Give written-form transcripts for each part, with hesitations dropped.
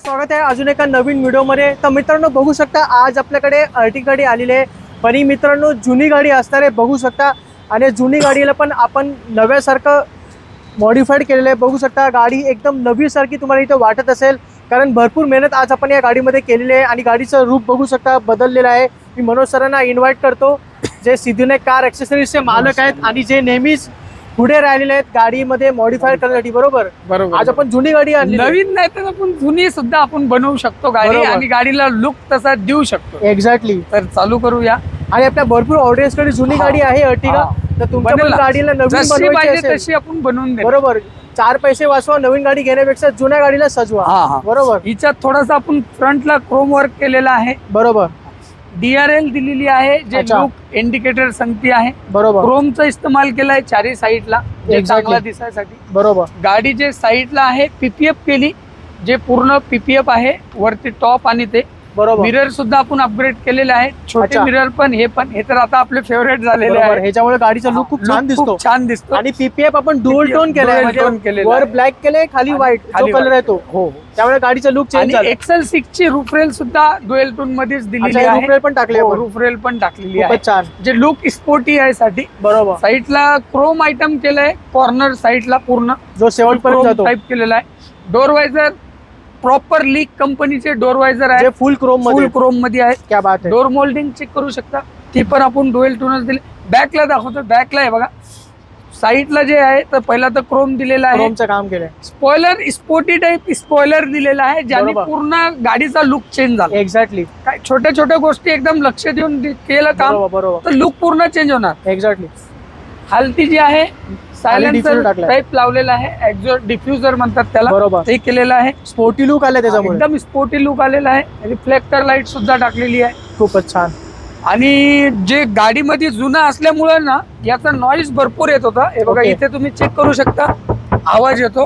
स्वागत आहे अजून एका नवीन व्हिडिओमध्ये। तर मित्रांनो बघू शकता आज आपल्याकडे अर्टिगा गाडी आलेली आहे, पण ही मित्रांनो जुनी गाडी असणार आहे बघू शकता। आणि जुनी गाडीला पण आपण नव्यासारखं मॉडिफाईड केलेलं आहे बघू शकता। गाडी एकदम नवीसारखी तुम्हाला इथे वाटत असेल, कारण भरपूर मेहनत आज आपण या गाडीमध्ये केलेली आहे आणि गाडीचं रूप बघू शकता बदललेलं आहे। मी मनोज सरांना इन्व्हाइट करतो, जे सिद्धीविनायक कार ॲक्सेसरीजचे मालक आहेत आणि जे नेहमीच पुढे राहिलेले आहेत गाडीमध्ये मॉडिफाय करण्यासाठी। बरोबर बरोबर। आज आपण जुनी गाडी आणली, नवीन नाही तर आपण जुनी सुद्धा आपण बनवू शकतो गाडी आणि गाडीला लुक तसा देऊ शकतो। एक्झॅक्टली। तर चालू करूया। आणि आपल्या भरपूर ऑडियन्स कडे जुनी गाडी आहे अर्टिगा, तर तुमच्या पण गाडीला नवीन बनवायची असेल तशी आपण बनवून देऊ। बरोबर, 4 पैसे वाचवा नवीन गाडी घेण्यापेक्षा जुन्या गाडीला सजवा। बरोबर। हिच्यात थोडासा आपण फ्रंटला क्रोम वर्क केलेला आहे। बरोबर। DRL दिलेली आहे, जे लुक इंडिकेटर सांगते आहे। बरोबर। क्रोमचा इस्तेमाल केलाय चारही साईडला चांगला दिसायसाठी। बरोबर। गाडी जे साईडला आहे PPF केली, जे पूर्ण PPF आहे वरती टॉप आणि ते बरोबर। मिरर सुद्धा आपण अपग्रेड केलेले आहे, छोटे मिरर पण हे तर आता आपले फेवरेट झालेले आहे। ह्याच्यामुळे गाडीचा लुक खूप छान दिसतो। आणि PPF आपण डुअल टोन केलंय, म्हणजे वर ब्लॅक केलंय खाली व्हाईट जो कलर आहे तो, त्यामुळे गाडीचा लुक चेंज झाला। XL6 ची रूफ रेल सुद्धा डुएल टोन मध्येच दिलेली आहे। रूफ रेल पण टाकली आहे, रूफ रेल पण टाकलेली आहे, खूपच छान, जे लुक स्पोर्टी आहे साठी। बरोबर। साईडला क्रोम आयटम केलंय, कॉर्नर साईडला पूर्ण जो शेवटपर्यंत जातो टाइप केलेला आहे। डोर वायझर प्रॉपर लीक कंपनीचे डोर वायझर आहे, फुल क्रोम मध्ये आहे। क्या बात आहे। डोर मोल्डिंग चेक करू शकता, ती पण आपण डुएल टोनच दिले। बॅकला दाखवतो, बॅकला आहे बघा, साईडला जे आहे तर पहिला तर क्रोम दिलेला आहे, क्रोमचं काम केलंय। स्पॉइलर स्पोर्टी टाइप स्पॉइलर दिलेला आहे, ज्याने पूर्ण गाडीचा लुक चेंज झाला। एक्झॅक्टली। काय छोट्या छोट्या गोष्टी एकदम लक्ष देऊन केलं काम, बरोबर, तर लुक पूर्ण चेंज होणार। एक्झॅक्टली। हलती जी आहे सायलेन्सर टाइप लावलेला आहे, एक्झॉस्ट डिफ्युजर म्हणतात त्याला, बरोबर, ते केलेलं आहे। स्पोर्टी लुक आले त्याच्यामुळे, एकदम स्पोर्टी लुक आलेला आहे। रिफ्लेक्टर लाईट सुद्धा टाकलेली आहे, खूपच छान। आणि जे गाडीमध्ये जुना असल्यामुळे ना याचा नॉइज भरपूर येत होता। हे बघा इथे तुम्ही चेक करू शकता, आवाज येतो,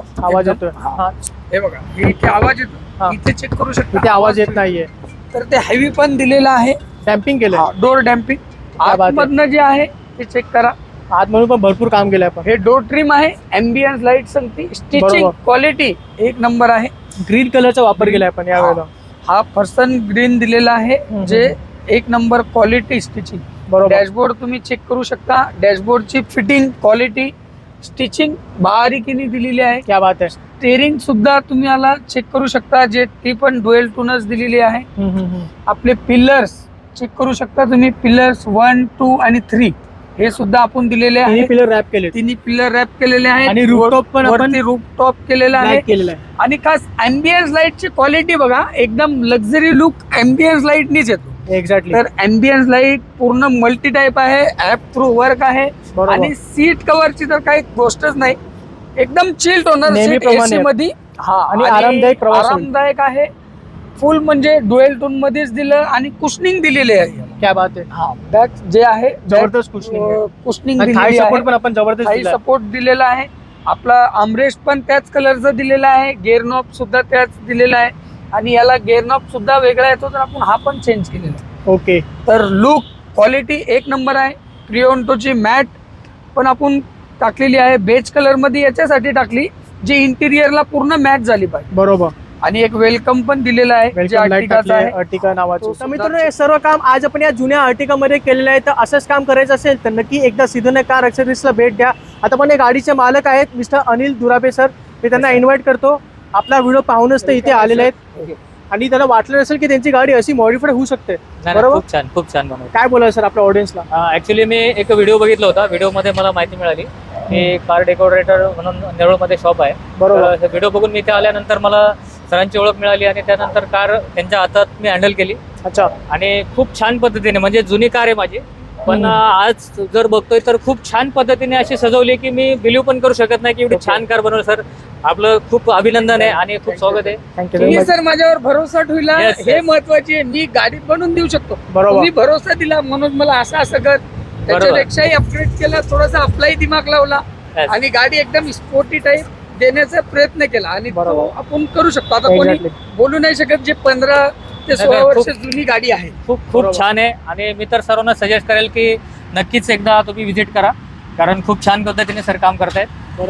हे बघा इथे आवाज येतो, इथे चेक करू शकता, इथे आवाज येत नाहीये। तर ते हेवी पण दिलेलं आहे, डॅम्पिंग केलं, डोर डॅम्पिंग। आतमधनं जे आहे ते चेक करा, आतमधून पण भरपूर काम केलंय आपण। हे डोर ट्रिम आहे, एम्बियन्स लाईट सांगते, स्टिचिंग क्वालिटी एक नंबर आहे। ग्रीन कलरचा वापर केलाय आपण यावेळेला, हा पर्सन ग्रीन दिलेला आहे, जे एक नंबर क्वालिटी स्टिचिंग। डॅशबोर्ड तुम्ही चेक करू शकता, डॅशबोर्डची फिटिंग क्वालिटी स्टिचिंग बारीकीने दिलेली आहे। क्या बात आहे। स्टेरिंग सुद्धा तुम्ही याला चेक करू शकता, जे ती पण डुएल टोनच दिलेली आहे। आपले पिलर्स चेक करू शकता तुम्ही, पिलर्स 1, 2 आणि 3 हे सुद्धा आपण दिलेले आहे। पिलर रॅप केले, तिन्ही पिलर रॅप केलेले आहेत, आणि रूफटॉप पण आपण रूफटॉप केलेला आहे। आणि खास एम्बियन्स लाईटची क्वालिटी बघा, एकदम लक्झरी लुक एम्बियन्स लाईटनीच येतो। एक्झॅक्टली। तर एम्बियन्स लाईट पूर्ण मल्टी टाइप आहे, ऍप थ्रू वर्क आहे, आणि सीट कव्हरची तर काही गोष्टच नाही, एकदम चिल्ड होणार एसी मध्ये। आणि आरामदायक आहे, फुल म्हणजे डुएल टोन मध्येच दिलं, आणि कुशनिंग दिलेली आहे। क्या बात आहे। बॅक जे आहे जबरदस्त कुशनिंग दिलेली आहे, पण आपण जबरदस्त सपोर्ट दिलेला आहे। आपला आर्मरेस्ट पण त्याच कलरचा दिलेला आहे, गेअर नॉब सुद्धा त्याच दिलेला आहे, आणि याला गेअर नॉब सुद्धा वेगळा येतो, तर आपण हा पण चेंज केलेला आहे। ओके। तर लुक क्वालिटी एक नंबर आहे। प्रिओन्टोची मॅट पण आपण टाकलेली आहे, बेज कलर मध्ये याच्यासाठी टाकली, जी इंटिरियरला पूर्ण मॅच झाली पाहिजे। बरोबर। आणि एक वेलकम पण दिलेला आहे, जे अर्टिगा नावाचं। तर मित्रांनो हे सर्व काम आज आपण या जुन्या अर्टिगा मध्ये केलेलं आहे। तर असंच काम करायचं असेल तर नक्की एकदा सिद्धीविनायक कार ॲक्सेसरीजला भेट द्या। आता पण हे गाडीचे मालक आहेत मिस्टर अनिल दुराबे सर, मी त्यांना इन्व्हाइट करतो। आपला व्हिडिओ पाहूनच ते इथे आलेले आहेत, आणि त्यांना वाटलं असेल की त्यांची गाडी अशी मॉडिफाईड होऊ शकते। बरोबर, खूप छान बनवलं। काय बोलाल सर आपल्या ऑडियन्सला? ऍक्च्युली मी एक व्हिडिओ बघितला होता, व्हिडिओमध्ये मला माहिती मिळाली की कार डेकोरेटर म्हणून नेरूळमध्ये शॉप आहे। बरोबर। व्हिडिओ बघून मी इथे आल्यानंतर मला सरांची ओळख मिळाली, आणि त्यानंतर कार त्यांच्या हातात मी हँडल केली। अच्छा। आणि खूप छान पद्धतीने, म्हणजे जुनी कार आहे माझी, पण आज जर बघतोय तर खूप छान पद्धतीने अशी सजवली की मी बिलीव्ह पण करू शकत नाही की एवढी छान कार बनवली। सर आपलं खूप अभिनंदन आहे आणि खूप स्वागत आहे। तुम्ही सर माझ्यावर भरोसा ठेवला, हे महत्वाचे आहे। मी गाडी बनवून देऊ शकतो, तुम्ही भरोसा दिला म्हणून मला असं कर, त्याच्यापेक्षाही अपग्रेड केला, थोडासा आपलाही दिमाग लावला, आणि गाडी एकदम स्पोर्टी टाइप देण्याचा प्रयत्न केला, आणि आपण करू शकतो। आता कोणी बोलू नाही शकत, जे 15 ते 16 वर्ष जुनी गाडी आहे। खूप छान आहे, आणि मी तर सर्वांना सजेस्ट करेल की नक्कीच एकदा तुम्ही व्हिजिट करा, कारण खूप छान पद्धतीने सर काम करतायत। बरोबर।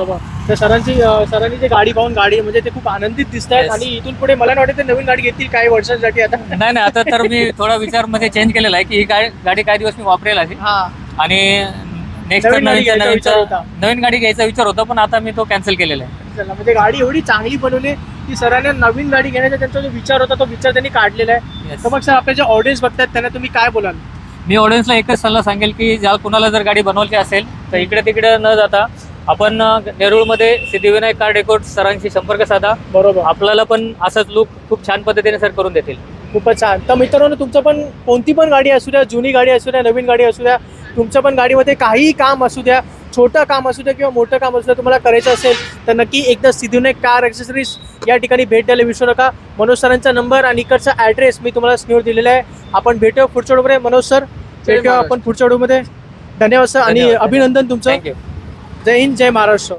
तर सरांनी जे गाडी पाहून गाडी म्हणजे ते खूप आनंदित दिसत आहेत Yes. आणि इथून पुढे मला नाही वाटत ते नवीन गाडी घेतील काही वर्षांसाठी आता. नाही आता तर मी थोडा विचार मध्ये चेंज केलेला आहे की ही गाडी काही दिवस मी वापरेल आहे हा आणि नेक्स्ट नवीन गाडी घ्यायचा विचार होता. नवीन गाडी घ्यायचा विचार होता पण आता मी तो कॅन्सल केलेला आहे. चला, म्हणजे गाडी एवढी चांगली बनवली की सरांना नवीन गाडी घेण्याचा त्यांचा जो विचार होता तो विचार त्यांनी काढलेला आहे. Yes. तर मग सर आपले जे ऑडियन्स बघतात त्यांना तुम्ही काय बोलाल? मी ऑडियन्सला एकच सल्ला सांगेल की ज्या कुणाला जर गाडी बनवायची असेल तर इकडे तिकडे न जाता आपण नेरूळमध्ये सिद्धिविनायक कार डेकोर सरांशी संपर्क साधा. बरोबर, आपल्याला पण असंच लुक खूप छान पद्धतीने सर करून देतील. खूपच छान. तर मित्रांनो तुमचं पण कोणती पण गाडी असू द्या, जुनी गाडी असू द्या, नवीन गाडी असू द्या, तुमच्या पण गाडीमध्ये काहीही काम असू द्या, छोटं काम असू द्या किंवा मोठं काम असू द्या, तुम्हाला करायचं असेल तर नक्की एकदा सिद्धिविनायक कार ॲक्सेसरीज या ठिकाणी भेट द्यायला विसरू नका. मनोज सरांचा नंबर आणि इकडचा ॲड्रेस मी तुम्हाला स्क्रीनवर दिलेला आहे. आपण भेटूया पुढच्या व्हिडिओमध्ये. मनोज सर भेटूया आपण पुढच्या व्हिडिओमध्ये. धन्यवाद सर आणि धन्यवाद. अभिनंदन तुमचं. थँक्यू. जय हिंद, जय महाराष्ट्र.